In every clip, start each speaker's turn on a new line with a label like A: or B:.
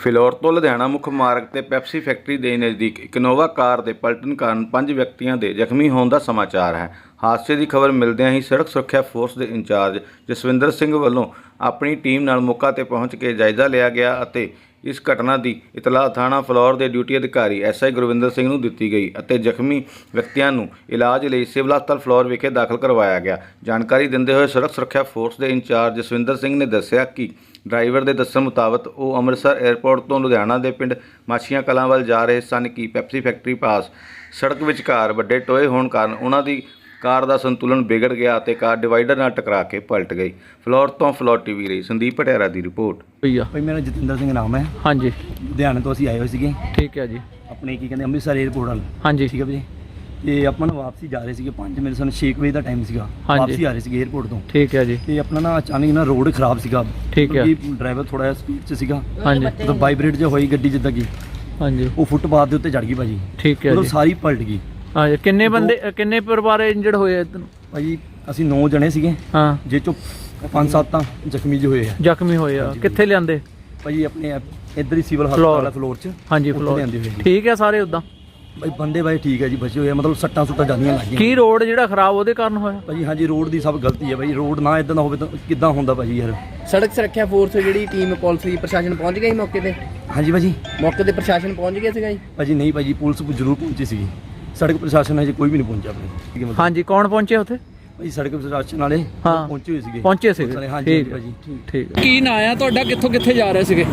A: ਫਿਲੌਰ ਤੋਂ ਲੁਧਿਆਣਾ ਮੁੱਖ ਮਾਰਗ ਤੇ ਪੈਪਸੀ ਫੈਕਟਰੀ ਦੇ ਨਜ਼ਦੀਕ ਇੱਕ ਇਨੋਵਾ ਕਾਰ ਦੇ ਪਲਟਣ ਕਾਰਨ 5 ਵਿਅਕਤੀਆਂ ਦੇ ਜ਼ਖਮੀ ਹੋਣ ਦਾ ਸਮਾਚਾਰ ਹੈ। ਹਾਦਸੇ ਦੀ ਖਬਰ ਮਿਲਦਿਆਂ ਹੀ ਸੜਕ ਸੁਰੱਖਿਆ ਫੋਰਸ ਦੇ ਇੰਚਾਰਜ ਜਸਵਿੰਦਰ ਸਿੰਘ ਵੱਲੋਂ ਆਪਣੀ ਟੀਮ ਨਾਲ ਮੌਕਾ ਤੇ ਪਹੁੰਚ ਕੇ ਜਾਇਜ਼ਾ ਲਿਆ ਗਿਆ ਅਤੇ ਇਸ ਘਟਨਾ ਦੀ ਇਤਲਾਹ ਥਾਣਾ ਫਿਲੌਰ ਦੇ ਡਿਊਟੀ ਅਧਿਕਾਰੀ SI ਗੁਰਵਿੰਦਰ ਸਿੰਘ ਨੂੰ ਦਿੱਤੀ ਗਈ ਅਤੇ ਜ਼ਖਮੀ ਵਿਅਕਤੀਆਂ ਨੂੰ ਇਲਾਜ ਲਈ ਸਿਵਲ ਹਸਪਤਾਲ ਫਿਲੌਰ ਵਿਖੇ ਦਾਖਲ ਕਰਵਾਇਆ ਗਿਆ। ਜਾਣਕਾਰੀ ਦਿੰਦੇ ਹੋਏ ਸੜਕ ਸੁਰੱਖਿਆ ਫੋਰਸ ਦੇ ਇੰਚਾਰਜ ਜਸਵਿੰਦਰ ਸਿੰਘ ਨੇ ਦੱਸਿਆ ਕਿ ਡਰਾਈਵਰ ਦੇ ਦੱਸਣ ਮੁਤਾਬਕ ਉਹ ਅੰਮ੍ਰਿਤਸਰ ਏਅਰਪੋਰਟ ਤੋਂ ਲੁਧਿਆਣਾ ਦੇ ਪਿੰਡ ਮਾਛੀਆਂ ਕਲਾਂ ਵੱਲ ਜਾ ਰਹੇ ਸਨ ਕਿ ਪੈਪਸੀ ਫੈਕਟਰੀ ਪਾਸ ਸੜਕ ਵਿਚਕਾਰ ਵੱਡੇ ਟੋਏ ਹੋਣ ਕਾਰਨ ਉਹਨਾਂ ਦੀ ਕਾਰ ਦਾ ਸੰਤੁਲਨ ਵਿਗੜ ਗਿਆ ਅਤੇ ਕਾਰ ਡਿਵਾਈਡਰ ਨਾਲ ਟਕਰਾ ਕੇ ਪਲਟ ਗਈ। ਫਿਲੌਰ ਤੋਂ ਫਿਲੌਰ TV ਲਈ ਸੰਦੀਪ ਪਟਿਆਲਾ ਦੀ ਰਿਪੋਰਟ।
B: ਭਾਈ ਮੇਰਾ ਜਤਿੰਦਰ ਸਿੰਘ ਨਾਮ ਹੈ।
C: ਹਾਂਜੀ,
B: ਲੁਧਿਆਣੇ ਤੋਂ ਅਸੀਂ ਆਏ ਹੋਏ ਸੀਗੇ।
C: ਠੀਕ ਹੈ ਜੀ।
B: ਆਪਣੇ ਕੀ ਕਹਿੰਦੇ ਅੰਮ੍ਰਿਤਸਰ ਏਅਰਪੋਰਟ ਵੱਲ।
C: ਹਾਂਜੀ,
B: ਠੀਕ ਹੈ ਜੀ। ਤੇ ਆਪਾਂ ਨਾ ਵਾਪਸੀ ਜਾ ਰਹੇ ਸੀਗੇ 5 ਮਿੰਟ ਸਾਨੂੰ 6 ਵਜੇ ਦਾ ਟਾਈਮ ਸੀਗਾ। ਵਾਪਸੀ ਆ ਰਹੇ ਸੀਗੇ ਏਅਰਪੋਰਟ ਤੋਂ।
C: ਠੀਕ ਹੈ ਜੀ।
B: ਤੇ ਆਪਣਾ ਨਾ ਅਚਾਨਕ ਨਾ ਰੋਡ ਖਰਾਬ ਸੀਗਾ।
C: ਠੀਕ ਹੈ।
B: ਡਰਾਈਵਰ ਥੋੜਾ ਜਿਹਾ ਸਪੀਡ 'ਚ ਸੀਗਾ।
C: ਹਾਂਜੀ,
B: ਮਤਲਬ ਵਾਈਬ੍ਰੇਟ ਜਿਹਾ ਹੋਈ ਗੱਡੀ ਜਿੱਦਾਂ ਕਿ
C: ਹਾਂਜੀ
B: ਉਹ ਫੁੱਟਪਾਥ ਦੇ ਉੱਤੇ ਚੜ ਗਈ ਭਾਜੀ।
C: ਠੀਕ ਹੈ
B: ਮਤਲਬ
C: ਜੀ।
B: ਸਾਰੀ ਪਲਟ ਗਈ।
C: ਹਾਂਜੀ, ਕਿੰਨੇ ਬੰਦੇ ਕਿੰਨੇ ਪਰਿਵਾਰ ਇੰਜਰਡ ਹੋਏ ਇੱਧਰ?
B: ਭਾਜੀ ਅਸੀਂ 9 ਜਣੇ ਸੀਗੇ।
C: ਹਾਂ,
B: ਜੇ ਚੋਂ 5-7 ਤਾਂ ਜ਼ਖਮੀ ਜਿਹੇ ਹੋਏ ਆ।
C: ਜ਼ਖਮੀ ਹੋਏ ਆ। ਕਿੱਥੇ ਲਿਆਂਦੇ?
B: ਭਾਜੀ ਆਪਣੇ ਇੱਧਰ ਹੀ ਸਿਵਲ ਹਸਪਤਾਲ ਫਲੋਰ 'ਚ।
C: ਹਾਂਜੀ,
B: ਉੱਥੇ
C: ਫਿਲੌਰ।
B: ਲਿਆਂਦੇ ਹੋਏ ਜੀ।
C: ਠੀਕ ਹੈ ਸਾਰੇ ਉੱਦਾਂ?
B: ਭਾਈ ਬੰਦੇ ਬਾਈ ਠੀਕ ਹੈ ਜੀ, ਬਚੇ ਹੋਏ ਆ। ਮਤਲਬ ਸੱਟਾਂ ਸੁੱਟਾਂ ਜਾਂਦੀਆਂ ਲੱਗੀਆਂ।
C: ਕੀ ਰੋਡ ਜਿਹੜਾ ਖਰਾਬ ਉਹਦੇ ਕਾਰਨ ਹੋਇਆ?
B: ਭਾਜੀ ਹਾਂਜੀ, ਰੋਡ ਦੀ ਸਭ ਗਲਤੀ ਹੈ ਭਾਈ। ਰੋਡ ਨਾ ਇਦਾਂ ਦਾ ਹੋਵੇ ਤਾਂ ਕਿੱਦਾਂ ਹੁੰਦਾ ਭਾਜੀ ਯਾਰ।
D: ਸੜਕ ਸੁਰੱਖਿਆ ਫੋਰਸ ਜਿਹੜੀ ਟੀਮ ਪੁਲਿਸ ਦੀ ਪ੍ਰਸ਼ਾਸਨ ਪਹੁੰਚ ਗਿਆ ਸੀ ਮੌਕੇ ਤੇ?
B: ਹਾਂਜੀ ਭਾਜੀ।
D: ਮੌਕੇ ਤੇ ਪ੍ਰਸ਼ਾਸਨ ਪਹੁੰਚ ਗਿਆ ਸੀਗਾ ਜੀ?
B: ਭਾਜੀ ਨਹੀਂ ਭਾਜੀ, ਪੁਲਿਸ ਜ਼ਰੂਰ ਪਹੁੰਚੀ ਸੀਗੀ। ਸੜਕ ਪ੍ਰਸ਼ਾਸਨ ਹਜੇ ਕੋਈ ਵੀ ਨਹੀਂ ਪਹੁੰਚਿਆ ਆਪਣੇ।
C: ਹਾਂਜੀ, ਕੌਣ ਪਹੁੰਚੇ ਉੱਥੇ?
B: ਭਾਜੀ ਸੜਕ ਪ੍ਰਸ਼ਾਸਨ ਵਾਲੇ
C: ਹਾਂ।
B: ਪਹੁੰਚੇ ਹੋਏ ਸੀਗੇ।
C: ਪਹੁੰਚੇ ਸੀਗੇ।
B: ਹਾਂਜੀ
C: ਠੀਕ
B: ਭਾਜੀ।
C: ਠੀਕ। ਕੀ ਨਾਂ ਆ ਤੁਹਾਡਾ? ਕਿੱਥੋਂ ਕਿੱਥੇ ਜਾ ਰਹੇ ਸੀਗੇ?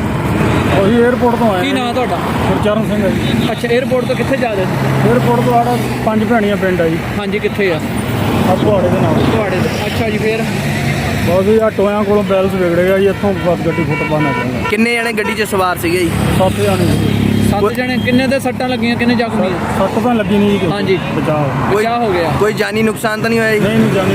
E: ਉਹੀ 에ਅਰਪੋਰਟ ਤੋਂ ਆਇਆ।
C: ਕੀ ਨਾਂ ਤੁਹਾਡਾ?
E: ਗੁਰਚਰਨ ਸਿੰਘ ਹੈ ਜੀ।
C: ਅੱਛਾ, 에ਅਰਪੋਰਟ ਤੋਂ ਕਿੱਥੇ ਜਾ ਰਹੇ ਸੀ?
E: 에ਅਰਪੋਰਟ ਤੋਂ ਆੜਾ 5 ਭੈਣੀਆਂ ਪਿੰਡ ਆ ਜੀ।
C: ਹਾਂਜੀ, ਕਿੱਥੇ ਆ?
E: ਆਪੋਹਾੜੇ ਦੇ ਨਾਲ।
C: ਤੁਹਾਡੇ ਦੇ। ਅੱਛਾ ਜੀ, ਫੇਰ?
E: ਬਹੁਤ ਹੀ ਆ ਟੋਇਆਂ ਕੋਲੋਂ ਬੈਲਸ ਵਿਗੜੇ ਗਿਆ ਜੀ। ਇੱਥੋਂ ਬਸ ਗੱਡੀ ਫੁੱਟਪਾਥ ਨਾਲ ਚੱਲਣਾ।
D: ਕਿੰਨੇ ਜਣੇ ਗੱਡੀ 'ਚ ਸਵਾਰ ਸੀਗੇ ਜੀ?
E: 7 ਜਾਣੇ ਸੀ।
C: 7 ਜਣੇ। ਕਿੰਨੇ ਦੇ ਸੱਟਾਂ ਲੱਗੀਆਂ, ਕਿੰਨੇ ਜ਼ਖਮੀ?
E: ਸੱਟ ਤਾਂ ਲੱਗੀ ਨਹੀਂ ਜੀ।
C: ਹਾਂਜੀ।
E: ਬਚਾਓ।
D: ਕੋਈ
C: ਹੋ ਗਿਆ?
D: ਕੋਈ ਜਾਨੀ ਨੁਕਸਾਨ ਤਾਂ ਨਹੀਂ ਹੋਇਆ ਜੀ?
E: ਨਹੀਂ ਜਾਨੀ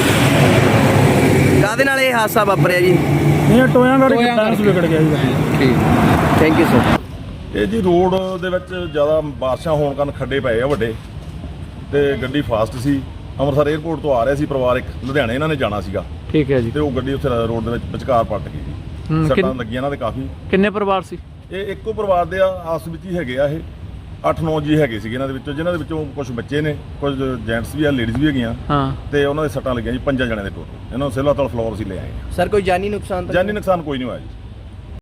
E: ਨੁਕਸਾਨ।
D: ਕਾਹਦੇ ਨਾਲ ਇਹ ਹਾਦਸਾ ਵਾਪਰਿਆ ਜੀ?
E: ਇਹ ਟੋਇਆਂ ਕਰਕੇ ਬੈਲਸ ਵਿਗੜ ਗਿਆ ਜੀ।
C: ਠੀਕ।
D: Thank you sir.
F: ਇਹ ਜੀ ਰੋਡ ਦੇ ਵਿੱਚ ਜ਼ਿਆਦਾ ਬਾਰਿਸ਼ਾਂ ਹੋਣ ਕਾਰਨ ਖੱਡੇ ਪਏ ਆ ਵੱਡੇ, ਤੇ ਗੱਡੀ ਫਾਸਟ ਸੀ। ਅੰਮ੍ਰਿਤਸਰ ਏਅਰਪੋਰਟ ਤੋਂ ਆ ਰਿਹਾ ਸੀ ਪਰਿਵਾਰ ਇੱਕ, ਲੁਧਿਆਣੇ ਇਹਨਾਂ ਨੇ ਜਾਣਾ ਸੀਗਾ
C: ਠੀਕ ਹੈ ਜੀ।
F: ਤੇ ਉਹ ਗੱਡੀ ਉੱਥੇ ਰੋਡ ਦੇ ਵਿੱਚ ਵਿਚਕਾਰ ਪਲਟ ਗਈ ਜੀ। ਸੱਟਾਂ ਲੱਗੀਆਂ ਇਹਨਾਂ ਦੇ ਕਾਫੀ।
C: ਕਿੰਨੇ ਪਰਿਵਾਰ ਸੀ?
F: ਇਹ ਇੱਕੋ ਪਰਿਵਾਰ ਦੇ ਆਸ ਵਿੱਚ ਹੀ ਹੈਗੇ ਆ। ਇਹ 8-9 ਜੀ ਹੈਗੇ ਸੀਗੇ ਇਹਨਾਂ ਦੇ ਵਿੱਚੋਂ, ਜਿਨ੍ਹਾਂ ਦੇ ਵਿੱਚੋਂ ਕੁਝ ਬੱਚੇ ਨੇ, ਕੁਝ ਜੈਂਟਸ ਵੀ ਆ, ਲੇਡੀਜ਼ ਵੀ ਹੈਗੀਆਂ।
C: ਹਾਂ।
F: ਤੇ ਉਹਨਾਂ ਦੇ ਸੱਟਾਂ ਲੱਗੀਆਂ ਜੀ 5 ਜਣਿਆਂ ਦੇ ਟੋਟਲ। ਇਹਨਾਂ ਨੂੰ ਸਿਵਲ ਹਸਪਤਾਲ ਫਲੋਰ ਅਸੀਂ ਲੈ ਆਏ ਹਾਂ।
D: ਸਰ ਕੋਈ ਜਾਨੀ ਨੁਕਸਾਨ ਤਾਂ?
F: ਜਾਨੀ ਨੁਕਸਾਨ ਕੋਈ ਨਹੀਂ ਹੋਇਆ ਜੀ।